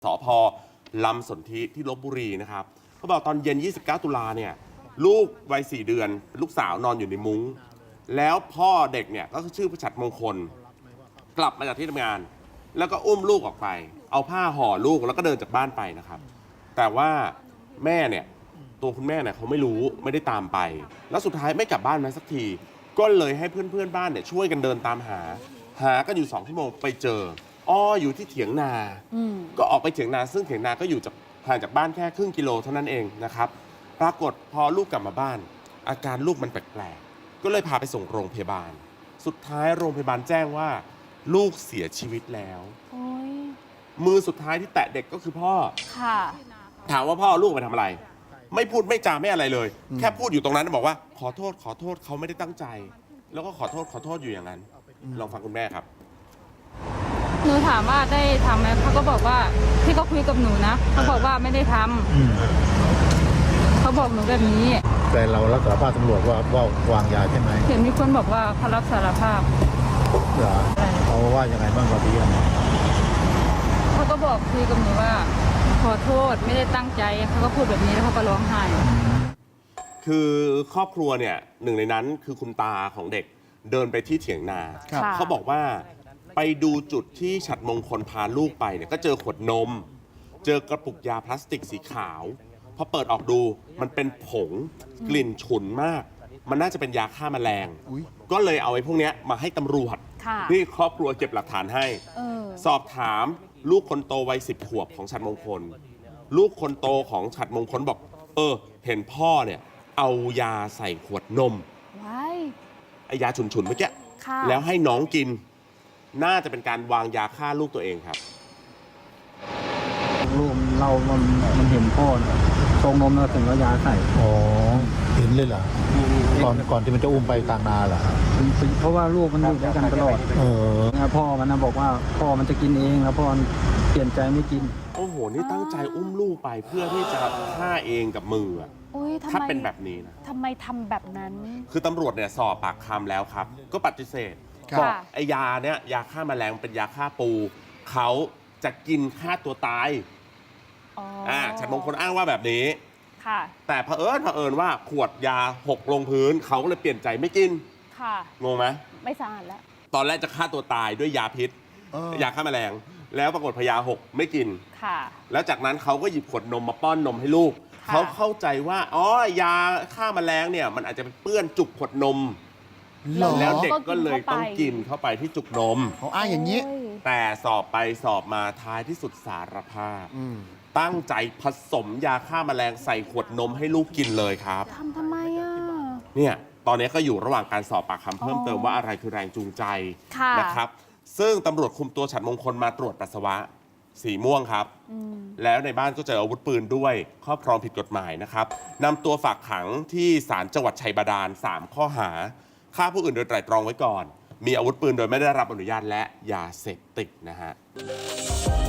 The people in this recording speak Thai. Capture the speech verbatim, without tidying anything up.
สภ.ลำสนธิที่ลพบุรีนะครับเขาบอกตอนเย็นยี่สิบเก้าตุลาเนี่ยลูกวัยสี่เดือนลูกสาวนอนอยู่ในมุ้งแล้วพ่อเด็กเนี่ยก็ชื่อประชัดมงคลกลับมาจากที่ทำงานแล้วก็อุ้มลูกออกไปเอาผ้าห่อลูกแล้วก็เดินจากบ้านไปนะครับแต่ว่าแม่เนี่ยตัวคุณแม่เนี่ยเขาไม่รู้ไม่ได้ตามไปแล้วสุดท้ายไม่กลับบ้านมาสักทีก็เลยให้เพื่อนเพื่อนบ้านเนี่ยช่วยกันเดินตามหาหากันอยู่สองชั่วโมงไปเจออ้ออยู่ที่เถียงนาก็ออกไปเถียงนาซึ่งเถียงนาก็อยู่จากห่างจากบ้านแค่ครึ่งกิโลเท่านั้นเองนะครับปรากฏพอลูกกลับมาบ้านอาการลูกมันแปลกๆก็เลยพาไปส่งโรงพยาบาลสุดท้ายโรงพยาบาลแจ้งว่าลูกเสียชีวิตแล้วมือสุดท้ายที่แตะเด็กก็คือพ่อค่ะถามว่าพ่อลูกไปทำอะไรไม่พูดไม่จาไม่อะไรเลยแค่พูดอยู่ตรงนั้นบอกว่าขอโทษขอโทษเขาไม่ได้ตั้งใจแล้วก็ขอโทษขอโทษอยู่อย่างนั้นลองฟังคุณแม่ครับหนูถามว่าได้ทำไหมเขาก็บอกว่าที่เขาคุยกับหนูนะเขาบอกว่าไม่ได้ทำเขาบอกหนูแบบนี้แต่เรารับสารภาพตำรวจว่าว่าวางยาใช่ไหมเห็นมีคนบอกว่าเขารับสารภาพเหรอเขาว่ายังไงบ้างกับพี่อันนี้เขาก็บอกคุยกับหนูว่าขอโทษไม่ได้ตั้งใจเขาก็พูดแบบนี้แล้วเขาก็ร้องไห้คือครอบครัวเนี่ยหนึ่งในนั้นคือคุณตาของเด็กเดินไปที่เถียงนาเขาบอกว่าไปดูจุดที่ฉัตรมงคลพาลูกไปเนี่ยก็เจอขวดนมเจอกระปุกยาพลาสติกสีขาวพอเปิดออกดูมันเป็นผงกลิ่นฉุนมากมันน่าจะเป็นยาฆ่าแมลงก็เลยเอาไอ้พวกนี้มาให้ตำรวจนี่ครอบครัวเก็บหลักฐานให้สอบถามลูกคนโตวัยสิบขวบของฉัตรมงคลลูกคนโตของฉัตรมงคลบอกเออเห็นพ่อเนี่ยเอายาใส่ขวดนมไอ้ยาฉุนๆเมื่อกี้แล้วให้น้องกินน่าจะเป็นการวางยาฆ่าลูกตัวเองครับลูกเรามันมันเห็นพ่อเนี่ยชงนมแล้วถึงเอายาใส่อ๋อเห็นเลยเหรอก่อนก่อนที่มันจะอุ้มไปกลางนาเหรอเพราะว่าลูกมันอยู่ด้วยกันตลอดเออพ่อมันนะบอกว่าพ่อมันจะกินเองแล้วพ่อเปลี่ยนใจไม่กินโอ้โหนี่ตั้งใจอุ้มลูกไปเพื่อที่จะฆ่าเองกับมือถ้าเป็นแบบนี้นะทำไมทำแบบนั้นคือตำรวจเนี่ยสอบปากคำแล้วครับก็ปฏิเสธบอกไอ้ยาเนี่ยยาฆ่าแมลงเป็นยาฆ่าปูเขาจะกินฆ่าตัวตายอ่าฉัตรมงคลอ้างว่าแบบนี้ค่ะแต่เผอิญเผอิญว่าขวดยาหกลงพื้นเขาก็เลยเปลี่ยนใจไม่กินค่ะงงไหมไม่สะอาดแล้วตอนแรกจะฆ่าตัวตายด้วยยาพิษยาฆ่าแมลงแล้วปรากฏพยาหกไม่กินค่ะแล้วจากนั้นเขาก็หยิบขวดนมมาป้อนนมให้ลูกเขาเข้าใจว่าอ๋อยาฆ่าแมลงเนี่ยมันอาจจะเปื้อนจุกขวดนมแล้วเด็กก็เลยต้องกินเข้าไปที่จุกนมเขาอ้างอย่างนี้แต่สอบไปสอบมาท้ายที่สุดสารภาพตั้งใจผสมยาฆ่าแมลงใส่ขวดนมให้ลูกกินเลยครับทำทำไมอ่ะเนี่ยตอนนี้ก็อยู่ระหว่างการสอบปากคำเพิ่มเติมว่าอะไรคือแรงจูงใจนะครับซึ่งตำรวจคุมตัวฉัตรมงคลมาตรวจปัสสาวะสีม่วงครับแล้วในบ้านก็เจออาวุธปืนด้วยครอบครองผิดกฎหมายนะครับนำตัวฝากขังที่ศาลจังหวัดชัยบาดาลสามข้อหาฆ่าผู้อื่นโดยไตร่ตรองไว้ก่อนมีอาวุธปืนโดยไม่ได้รับอนุญาตและยาเสพติดนะฮะ